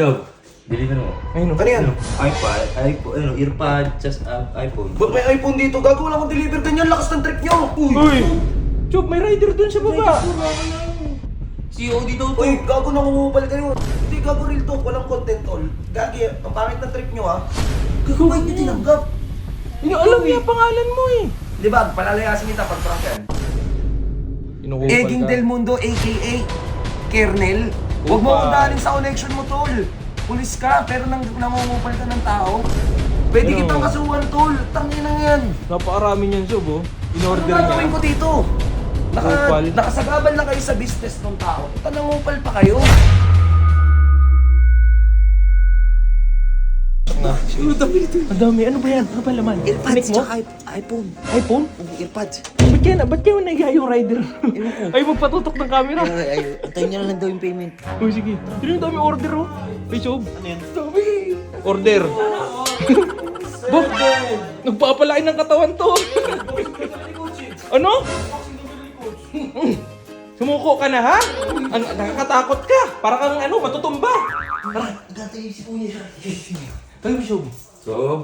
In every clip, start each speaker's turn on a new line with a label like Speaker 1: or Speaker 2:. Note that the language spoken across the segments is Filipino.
Speaker 1: So, deliver mo.
Speaker 2: Ayun.
Speaker 3: Ano yan?
Speaker 1: iPad, earpod, just iPhone.
Speaker 3: Ba't may iPhone dito? Gago, wala akong deliver ganyan. Lakas ng trip nyo.
Speaker 2: Uy! Chop, may rider dun sa baba.
Speaker 1: COD daw to.
Speaker 3: Uy, gago, nangungupal kayo. Hindi, gago, real talk. Walang content, tol. Gagi, ang pangit ng trip nyo, ha? Gago, ba't nyo tinanggap?
Speaker 2: Hindi alam niya pangalan mo eh.
Speaker 3: Di ba, palalayasin kita pag prank yan.
Speaker 2: Inukupal
Speaker 3: Eging Del Mundo, a.k.a. Kernel. Huwag mo
Speaker 2: Upal.
Speaker 3: akong dalhin sa connection mo, tol. Pulis ka, pero nangungupal ka ng tao. Pwede
Speaker 2: Ano?
Speaker 3: kitang kasuhan, tol. Tangin na yan.
Speaker 2: Napakarami niyan, Sob, oh.
Speaker 3: Ano
Speaker 2: In-order
Speaker 3: gagawin
Speaker 2: niya.
Speaker 3: ko dito?
Speaker 2: Upal.
Speaker 3: Nakasagabal na kayo sa business ng tao. Nangupal pa kayo.
Speaker 2: Ang dami. Ano ba yan? Ano ba laman? Connect mo?
Speaker 3: iPhone.
Speaker 2: iPhone?
Speaker 3: Earpods.
Speaker 2: Ba't kaya naiya yung rider? Ay, magpatutok ng camera.
Speaker 3: Antayin niya lang daw yung payment.
Speaker 2: Uy, sige. Sino yung dami order, oh? Ay, Sob. Ano yan? Dami. Order. Bok, nagpapalain ng katawan to. Ano? Sumuko ka na, ha? Nakakatakot ka. Para kang matutumba.
Speaker 3: Gantay si Kuya.
Speaker 2: Ay, Sob.
Speaker 1: So,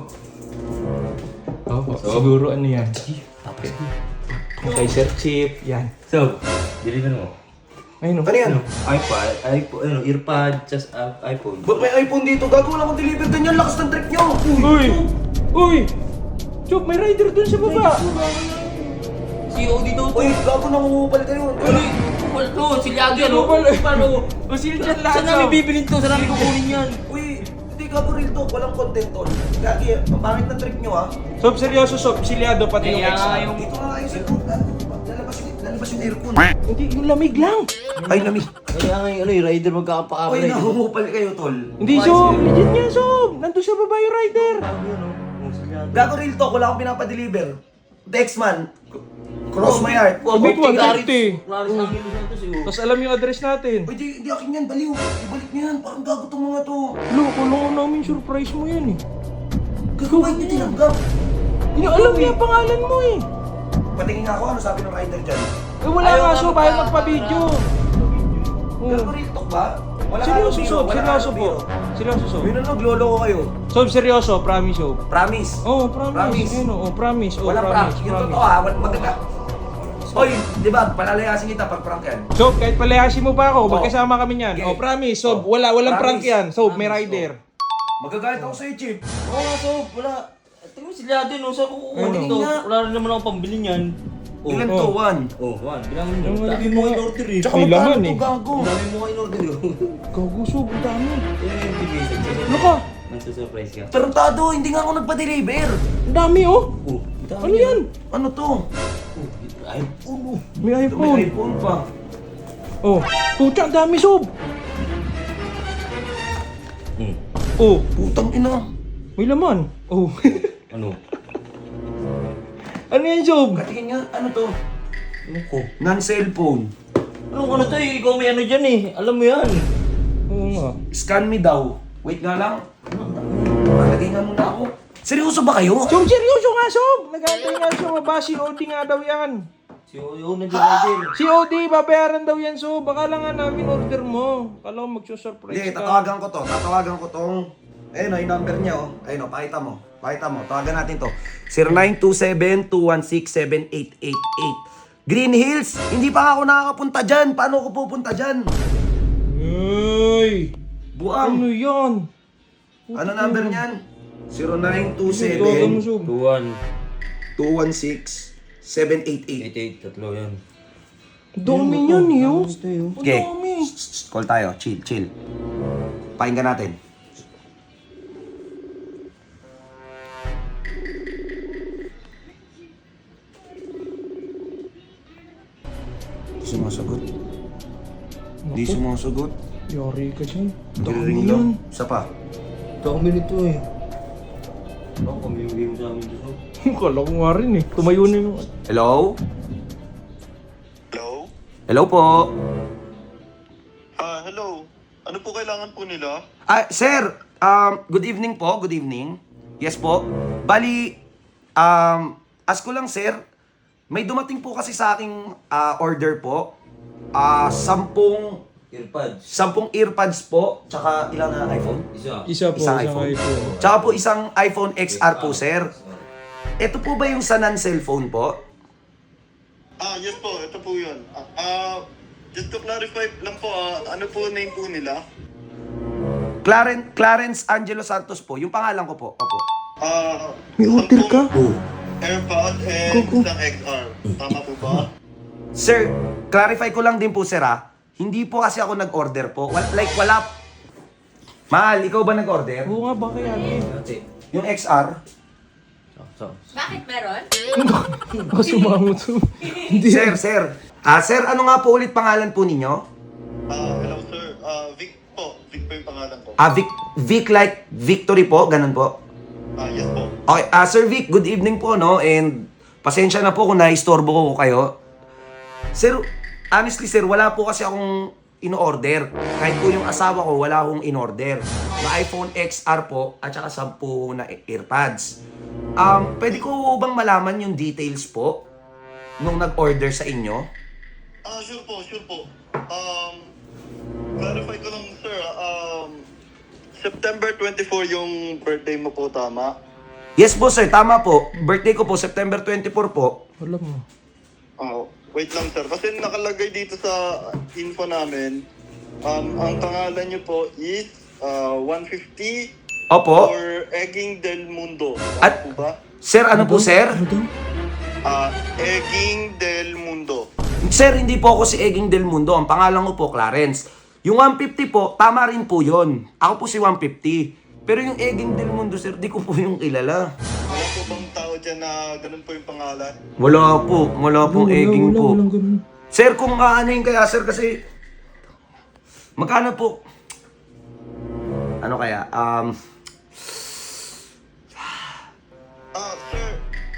Speaker 2: Siguro ano yan? Kay Sir Chip. Yan.
Speaker 1: so, deliver mo.
Speaker 2: Ayun,
Speaker 3: Ano yan?
Speaker 1: iPad, earpod, just iPhone.
Speaker 3: Ba't may iPhone dito? Gago, wala akong deliver ganyan. Lakas ng trip nyo.
Speaker 2: Uy! Uy! Chop, may rider dun sa baba.
Speaker 1: COD daw to.
Speaker 3: Uy, gago, nangungupal kayo.
Speaker 1: Kupal to, silyagi ano?
Speaker 2: Kupal.
Speaker 1: Kupal o.
Speaker 2: Masil dyan lahat.
Speaker 1: Saan namin bibilin to? Saan namin kukunin yan?
Speaker 3: Uy, hindi, gago, real talk. Walang content, tol. Gagi, ang pangit ng trip nyo, ha?
Speaker 2: Sob, seryoso, Sob. Silyado pati yung
Speaker 1: Kaya
Speaker 2: ex.
Speaker 1: nga yung...
Speaker 3: Dito nga kayo sa group. Lalabas yung aircon.
Speaker 2: Hindi, yung lamig lang.
Speaker 3: Ay, lamig.
Speaker 1: Kaya nga yung rider
Speaker 3: Uy,
Speaker 1: magkakapaka-upgrade.
Speaker 3: nangungupal kayo, tol.
Speaker 2: Hindi, Sob. Legit nga, Sob. Nandun sa baba yung rider.
Speaker 3: Gago, real talk. Wala akong pinapadeliver. Dexman. Cross my heart.
Speaker 2: Sabi ko, 150.
Speaker 1: Claris ng Hilo Santos eh.
Speaker 2: Tapos alam yung address natin.
Speaker 3: Uy, di akin yan. Baliw. Ibalik niyo yan. Parang gago tong mga to.
Speaker 2: Lo, kulungan namin surprise mo yan eh.
Speaker 3: Gago, ba't niyo tinanggap?
Speaker 2: Hindi alam niya pangalan mo eh.
Speaker 3: Patingin nga ako, ano sabi ng rider dyan?
Speaker 2: Eh wala nga, Sob. Ayaw magpa-video.
Speaker 3: Gago, real talk ba? Wala
Speaker 2: Seryoso,
Speaker 3: kayong
Speaker 2: Sob.
Speaker 3: biro, wala
Speaker 2: Seryoso
Speaker 3: kayong
Speaker 2: po.
Speaker 3: biro.
Speaker 2: Seryoso, Sob.
Speaker 3: Yun ano, glolo ko kayo.
Speaker 2: Sob, seryoso. Promise, Sob.
Speaker 3: Promise.
Speaker 2: Oh, promise.
Speaker 3: Promise.
Speaker 2: Ayun, oh, promise. Oh,
Speaker 3: Walang prank.
Speaker 2: promise.
Speaker 3: Yung
Speaker 2: Promise.
Speaker 3: totoo ha, magaga. Oy, di ba, palalayasin kita pag prank yan.
Speaker 2: Sob, kahit palayasin mo pa ako,
Speaker 3: Oh.
Speaker 2: magkasama kami niyan.
Speaker 3: Okay.
Speaker 2: Oh, promise. Sob,
Speaker 3: Oh.
Speaker 2: walang prank
Speaker 3: Promise.
Speaker 2: yan. Sob, may
Speaker 3: Promise,
Speaker 2: rider.
Speaker 3: Magagalit ako sa'yo, Chip.
Speaker 1: Oo nga, so, wala. Tingnan mo silyado no, saan ko kukunin
Speaker 2: Ano?
Speaker 1: to? Wala rin naman ako pambili niyan.
Speaker 3: Ilan
Speaker 2: oh.
Speaker 3: to? One.
Speaker 1: Oh, one. Bilangin mo.
Speaker 2: Yung
Speaker 1: Dami
Speaker 2: malaki
Speaker 1: mo
Speaker 2: mga-
Speaker 1: in-order eh.
Speaker 3: Tsaka
Speaker 2: May
Speaker 3: magkano
Speaker 2: laman
Speaker 3: to,
Speaker 2: eh.
Speaker 3: gago?
Speaker 1: Dami mo in-order eh.
Speaker 2: Gago, Sob. Ang dami.
Speaker 1: Yung bigay sa
Speaker 2: Ano ka?
Speaker 1: Nagsusurprise ka.
Speaker 3: Tarantado, hindi nga ako nagpa-deliver.
Speaker 2: Ang dami, oh.
Speaker 1: Oh, dami
Speaker 2: Ano yan?
Speaker 3: Ano to?
Speaker 1: Oh, iPhone oh.
Speaker 2: May
Speaker 3: May
Speaker 2: iPhone.
Speaker 3: iPhone pa.
Speaker 2: Oh, pucha, ang dami, Sob.
Speaker 1: Hmm.
Speaker 2: Oh,
Speaker 3: Putang ina.
Speaker 2: may laman. Oh.
Speaker 1: Ano?
Speaker 2: Ano yan, Sob?
Speaker 3: Katingin nga, ano to?
Speaker 1: Ano ko?
Speaker 3: Non-cellphone.
Speaker 1: Ano to eh? Ikaw may ano dyan eh. Alam mo yan.
Speaker 2: Oo nga.
Speaker 3: Scan me daw. Wait nga lang. Malagay nga muna ako. Seryoso ba kayo?
Speaker 2: Sob, seryoso nga, Sob. Nag-aantay nga siya mababa. COD nga daw yan.
Speaker 1: Si Oyo na dyan rider.
Speaker 2: COD, babayaran daw yan, Sob. Baka lang nga namin order mo. Kala ko magsusurprise
Speaker 3: Hindi,
Speaker 2: ka.
Speaker 3: tatawagan ko to. Tatawagan ko tong... Ayun o, yung number niya o. Ayun o, pakita mo. Pakita mo. Tawagan natin to. 0927-216-7888. Green Hills, hindi pa ako nakakapunta dyan. Paano ako pupunta dyan?
Speaker 2: Uy!
Speaker 3: Buang.
Speaker 2: Ano yan?
Speaker 3: Ano number niyan?
Speaker 2: Tawagan mo,
Speaker 3: 0927
Speaker 2: Sob.
Speaker 3: 216 788.
Speaker 1: 88, tatlo yan.
Speaker 2: Dami yan, eh, oh. Ang
Speaker 3: Okay.
Speaker 2: dami.
Speaker 3: Call tayo. Chill, chill. Pakinggan natin. Hindi sumasagot. Hindi sumasagot.
Speaker 2: Yari ka dyan. Dami
Speaker 3: Nagre-ring
Speaker 2: yan.
Speaker 3: lang. Isa pa.
Speaker 1: Dami nito eh. Baka pamimigay mo sa amin dito.
Speaker 2: Kala ko nga rin, eh. Tumayo na yung...
Speaker 3: Hello?
Speaker 4: Hello?
Speaker 3: Hello po.
Speaker 4: Hello. Ano po kailangan po nila?
Speaker 3: Sir, good evening po. Good evening. Yes po. Bali, ask ko lang sir, may dumating po kasi sa aking order po. 10
Speaker 1: Earpods.
Speaker 3: 10 earpads po, tsaka ilang na iPhone?
Speaker 2: Isa po,
Speaker 3: Isang
Speaker 2: isang
Speaker 3: iPhone.
Speaker 2: iPhone.
Speaker 3: Tsaka po isang iPhone XR po, sir. Ito po ba yung sa non-cellphone po?
Speaker 4: Yes po, ito po yun. Just to clarify lang po, ano po name po nila?
Speaker 3: Clarence Angelo Santos po, yung pangalan ko po. Opo.
Speaker 2: May order ka?
Speaker 4: AirPods and isang XR. Tama po ba?
Speaker 3: Sir, clarify ko lang din po, sir, ha? Hindi po kasi ako nag-order po. Wala. Mahal, ikaw ba nag-order?
Speaker 2: Oo nga, ba kaya
Speaker 3: Yung XR?
Speaker 5: Bakit meron?
Speaker 2: Baka sumangot to. Hindi.
Speaker 3: Sir. Sir, ano nga po ulit pangalan po ninyo?
Speaker 4: Hello sir. Vic po. Vic po yung pangalan ko.
Speaker 3: Vic like Victory po, ganun po.
Speaker 4: Yes po.
Speaker 3: Okay, Sir Vic, good evening po, no? And pasensya na po kung naistorbo ko kayo. Sir, honestly sir, wala po kasi akong in-order. Kahit po yung asawa ko, wala akong in-order. Na iPhone XR po, at saka 10 na AirPods. Pwede ko bang malaman yung details po nung nag-order sa inyo?
Speaker 4: Sure po. Clarify ko lang sir. September 24 yung birthday mo po, tama?
Speaker 3: Yes po sir, tama po. Birthday ko po, September 24 po.
Speaker 2: Alam mo.
Speaker 4: Wait lang sir. Kasi nakalagay dito sa info namin, ang pangalan niyo po is 150
Speaker 3: Opo.
Speaker 4: or Egging del Mundo.
Speaker 3: At-
Speaker 4: Tama po ba?
Speaker 3: Sir, ano po sir?
Speaker 4: Egging del Mundo.
Speaker 3: Sir, hindi po ako si Eging Del Mundo. Ang pangalan ko po, Clarence. Yung 150 po, tama rin po yun. Ako po si 150. Pero yung Eging Del Mundo, sir, di ko po yung kilala.
Speaker 4: Wala po bang tao dyan na ganun po yung pangalan?
Speaker 3: Wala po. Wala pong Eging po.
Speaker 2: Walang ganun.
Speaker 3: Sir, kung ano yung kaya, sir, kasi... Magkano po? Ano kaya?
Speaker 4: Sir,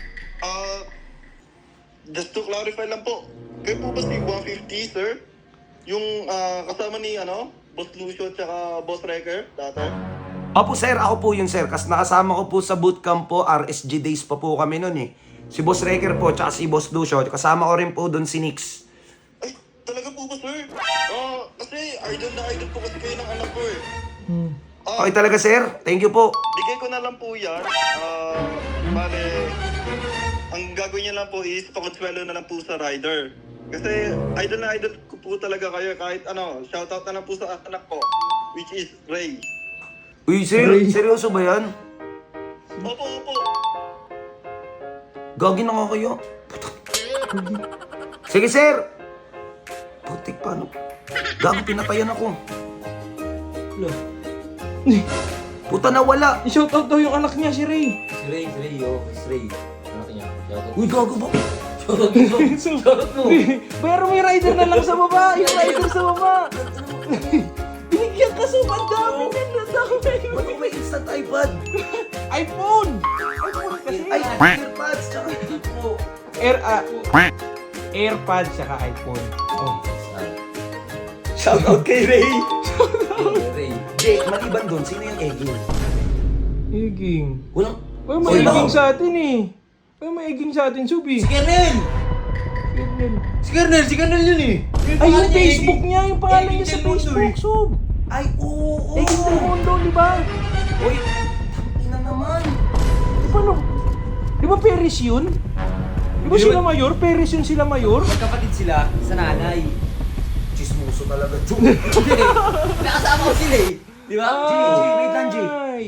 Speaker 4: just to clarify lang po, kayo po ba si 150, sir? Yung kasama ni, Boss Lucio at saka Boss Wrecker, dati?
Speaker 3: Opo, sir. Ako po yun, sir. Kasi nakasama ko po sa bootcamp po. RSG days pa po kami nun eh. Si Boss Wrecker po, tsaka si Boss Lucio. Kasama ko rin po doon si Nix.
Speaker 4: Ay, talaga po ba, sir? Kasi idol na idol po kasi kayo ng anak ko eh.
Speaker 3: Okay talaga, sir. Thank you po.
Speaker 4: Bigay ko na lang po yan. Bale, ang gagawin niya lang po is pakonsuelo na lang po sa rider. Kasi idol na idol ko po talaga kayo kahit shoutout na lang po sa anak ko, which is Ray.
Speaker 3: Uy, sir. Seryoso ba yan?
Speaker 4: Opo.
Speaker 3: Gagi na nga kayo. Sige, sir. Putik pa, no? Gago, pinatayan ako. Puta na wala.
Speaker 2: I-shoutout daw yung anak niya, si Ray.
Speaker 1: Si Ray. Anak niya. Shoutout.
Speaker 3: Uy, gago ba?
Speaker 1: Shoutout mo.
Speaker 2: Pero may rider na lang sa baba. Yung rider sa baba. Binigyan ka sa ang dami din. Ang dami.
Speaker 3: Ba't ko may instant iPad?
Speaker 2: iPhone! iPhone kasi.
Speaker 3: Ay, AirPods, tsaka po.
Speaker 2: AirPods saka iPhone. Oh.
Speaker 3: Shoutout kay Ray.
Speaker 1: Ray.
Speaker 3: Jay, maliban doon, sino yung Eging?
Speaker 2: Eging.
Speaker 3: Walang...
Speaker 2: Uy, may
Speaker 3: Oy,
Speaker 2: eging
Speaker 3: baka-
Speaker 2: sa atin eh. Uy, may eging sa atin, Subi.
Speaker 1: Si Kernel!
Speaker 2: Kernel.
Speaker 1: Si Kernel yun eh.
Speaker 2: Ay, yung Facebook niya, yung pangalan niya sa
Speaker 1: Eging Del Mundo
Speaker 2: Facebook, Sub.
Speaker 3: Ay, oo.
Speaker 2: Eging Del Mundo, di ba?
Speaker 3: Uy, ina naman.
Speaker 2: Di ba no? Di ba Paris yun? Di ba sila mayor? Paris yun sila mayor?
Speaker 1: Magkapatid sila sa nanay.
Speaker 3: Chismoso talaga, Chu.
Speaker 1: Nakasama ko sila eh. Di ba?
Speaker 3: Wait lang, G.
Speaker 2: Ay.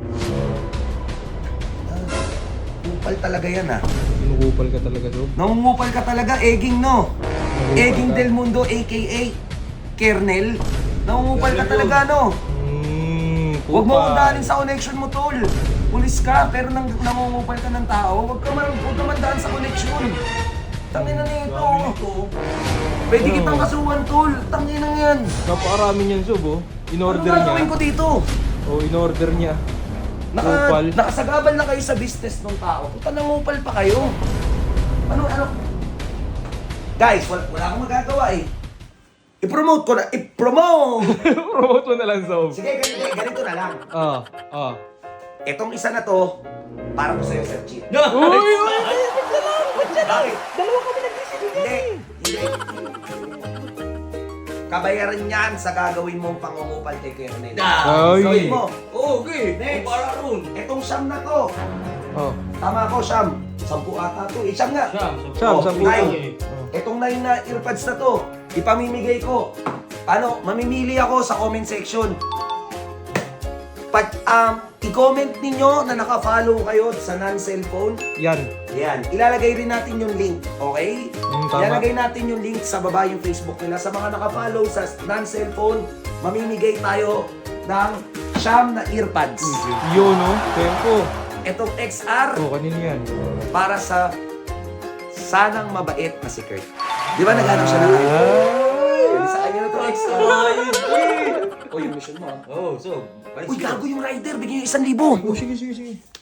Speaker 3: Kupal talaga yan, ah.
Speaker 2: Pinukupal ka talaga, Sub.
Speaker 3: Nangungupal ka talaga, Eging, no? Eging Del Mundo, a.k.a. Kernel. Nangungupal ka talaga, no? Huwag mo akong daanin sa connection mo, tol. Pulis ka, pero nangungupal ka ng tao. Huwag ka mandaan sa connection. Tangina na ito. Pwede kitang kasuhan, tol. Tangina yan.
Speaker 2: Napakarami niyan, Sub, oh. In-order
Speaker 3: Ano gagawin
Speaker 2: niya.
Speaker 3: ko dito?
Speaker 2: Oh, in-order niya. Kupal.
Speaker 3: Nakasagabal na kayo sa business ng tao. Puta, nangupal pa kayo. Ano? Guys, wala akong magagawa eh. I-promote ko na. I-promote!
Speaker 2: Promote mo na lang, Sub.
Speaker 3: Sige, ganito na lang.
Speaker 2: Ah.
Speaker 3: Etong isa na to, para ko sa'yo, Sir Chief.
Speaker 2: Uy!
Speaker 3: Bakit?
Speaker 2: Dalawa kami nag-decision
Speaker 3: Hindi. Kabayaran yan sa gagawin mong pangungupal kay Kuya Ronel.
Speaker 2: Ay.
Speaker 3: Gawin mo.
Speaker 1: Okay.
Speaker 3: Next.
Speaker 1: Para ron.
Speaker 3: Etong Siyam na to.
Speaker 2: Oh.
Speaker 3: Tama ko, Siyam. 10 ata to. Siyam nga.
Speaker 2: Siyam,
Speaker 3: Oh,
Speaker 2: 10
Speaker 3: nine.
Speaker 2: to.
Speaker 3: Etong 9 na earpads na to, ipamimigay ko. Ano, mamimili ako sa comment section. Pag i-comment ninyo na naka-follow kayo sa non-cellphone,
Speaker 2: Yan.
Speaker 3: yan, ilalagay rin natin yung link, okay?
Speaker 2: Tama.
Speaker 3: Ilalagay natin yung link sa baba yung Facebook nila. Sa mga naka-follow sa non-cellphone, mamimigay tayo ng 9 na earpads.
Speaker 2: Yun, no? Tempo.
Speaker 3: Etong XR,
Speaker 2: Oh, kanino yan?
Speaker 3: para sa sanang mabait na si Kurt. Di ba naghanap siya ng iPhone? Pwede sa kanya na to XR. O, yung mission mo.
Speaker 1: Oh, so.
Speaker 3: Uy, gago yung rider. Bigyan yung 1,000.
Speaker 2: Oh, sige, sige, sige.